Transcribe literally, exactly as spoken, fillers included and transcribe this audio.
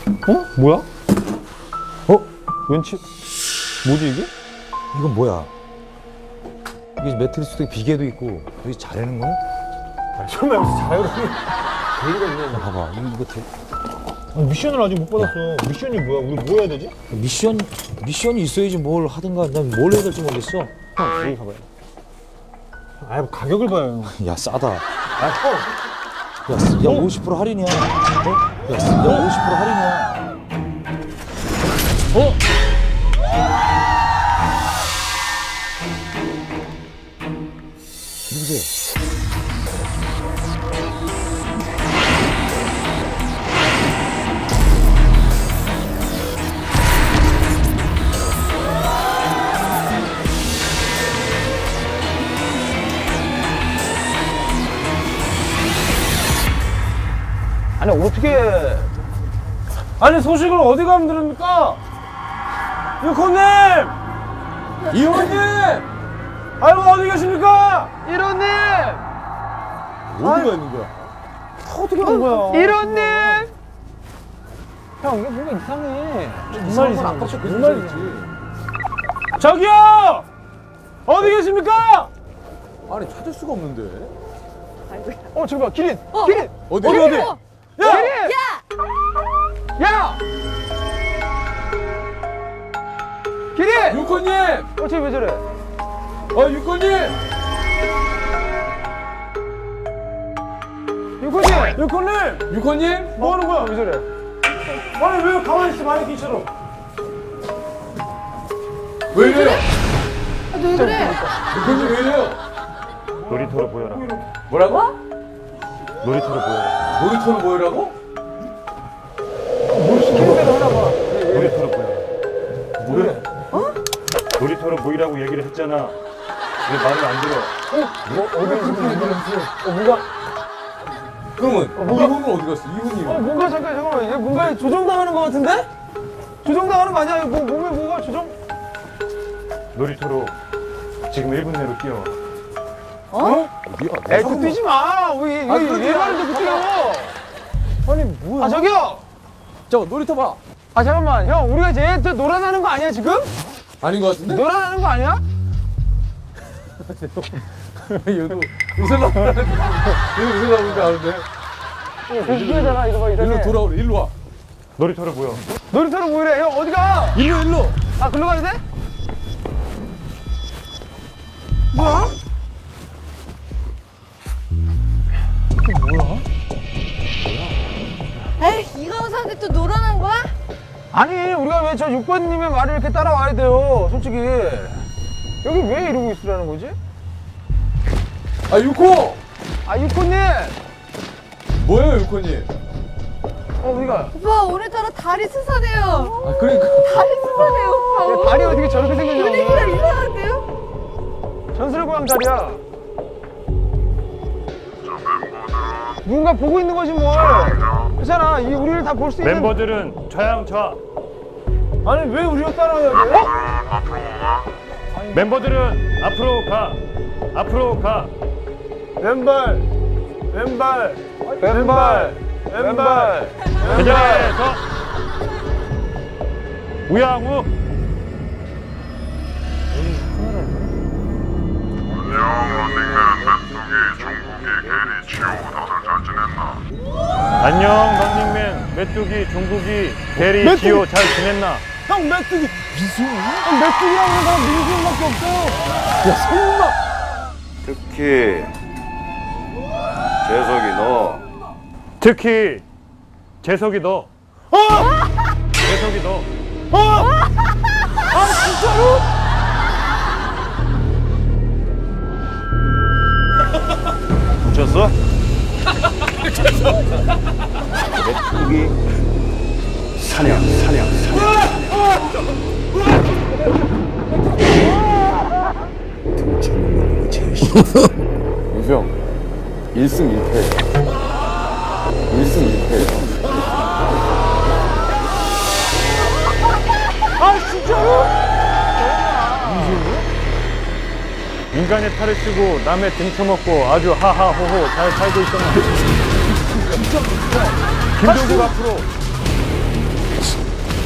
어? 뭐야? 어? 왠지 뭐지 이게? 이건 뭐야? 이게 매트리스도 있고 비계도 있고 여기 잘하는 거야? 아, 설마 여기서 자유로운 계기가 있냐? 봐봐 이거, 이거 되... 아니, 미션을 아직 못 받았어. 미션이 뭐야? 우리 뭐 해야 되지? 미션 미션이 있어야지 뭘 하든가. 난 뭘 해야 될지 모르겠어. 형 여기 가봐요. 아 가격을 봐요. 야 싸다. 아 형. 야, 쓰- 야 오십 퍼센트 할인이야. 어? 야, 쓰- 야 오십 퍼센트 할인이야. 어? 누구세요? 아니 어떻게? 아니 소식을 어디 가면 들습니까? 유코님, 이호님, 아이고 어디 계십니까? 일호님! 어디가 있는 거야? 어떻게 간 거야? 일호님! 형 이게 뭔가 이상해. 정말 이상한 거. 정말 이상해. 저기요! 어디 계십니까? 아니 찾을 수가 없는데. 어 저기 봐 기린. 어. 기린. 어디 어디 어디? 어디? 어. 야! 야! 야! 기린! 유코님! 어 쟤 왜 저래? 어 유코님! 유코님! 유코님! 유코님? 뭐 하는 거야? 왜 저래? 아니 왜 가만히 있어 마네킹처럼? 왜 이래요? 아, 왜 그래? 유코님 왜 이래요? 놀이터로 보여라. 뭐라고? 놀이터로 보여라. 놀이터로 모이라고? 뭘 시키는 대로 하나 봐. 놀이터로 보여. 뭐래? 어? 놀이터로 보이라고 얘기를 했잖아. 왜 말을 안 들어? 뭐 어디 있어? 어 뭐가? 그러면 뭐가? 이분은 어디 갔어? 이분이. 어 뭔가 잠깐 잠깐만 이게 뭔가 조정당하는 거 같은데? 조정당하는 거 아니야? 뭐 몸에 뭐가 조정? 놀이터로 지금 일 분 내로 뛰어. 어? 에이 그 뛰지 마. 왜 아, 왜 그러지 얘 마. 말인데 그 뛰어? 아니 뭐야? 아 저기요. 저 놀이터 봐. 아 잠깐만 형 우리가 쟤한테 놀아나는 거 아니야 지금? 아닌 것 같은데? 놀아나는 거 아니야? 얘도 웃으려고 하는데. 얘도 웃으려고 하는데. 이거잖아 이거 봐 이거. 일로 돌아오래. 일로 와. 놀이터로 보여. 놀이터로 모이래. 형 어디 가? 일로 일로. 아 글로 가야 돼? 뭐야? 에이, 이가 오사한테 또 놀아난 거야? 아니 우리가 왜 저 육 번님의 말을 이렇게 따라와야 돼요 솔직히 여기 왜 이러고 있으라는 거지? 아 유코. 아 육번님 뭐예요 유코님? 어 어디가? 오빠, 오늘따라 다리 스산해요. 아 그러니까. 다리 스산해요, 오빠. 야, 다리 어떻게 저렇게 생겼냐 분위기가 오늘 이상한데요? 전설의 고향 다리야 누군가 보고 있는 거지 뭘 그렇잖아 이 우리를 다 볼 수 있는 멤버들은 좌양좌. 아니 왜 우리가 따라와야 돼? 멤버들은 앞으로 가. 앞으로 가. 왼발 왼발 왼발 왼발 그 자리에서 우양우. 안녕 런닝맨 메뚜기 종국이 대리 메뚜기. 지호 잘 지냈나? 형 메뚜기 미수? 형 메뚜기라고 하는 사람 민수형밖에 없어 야 설마 특히 재석이 너 특히 재석이 너. 어? 재석이 너. 어? 아 진짜로? 훔쳤어? 메뚜기 사냥 사냥 사냥 등쳐먹는 거 제일 싫어. 유형 일승 일패. 일승 일패. 아 진짜로? 인간의 탈을 쓰고 남의 등쳐먹고 아주 하하호호 잘 살고 있었나? 김종국 앞으로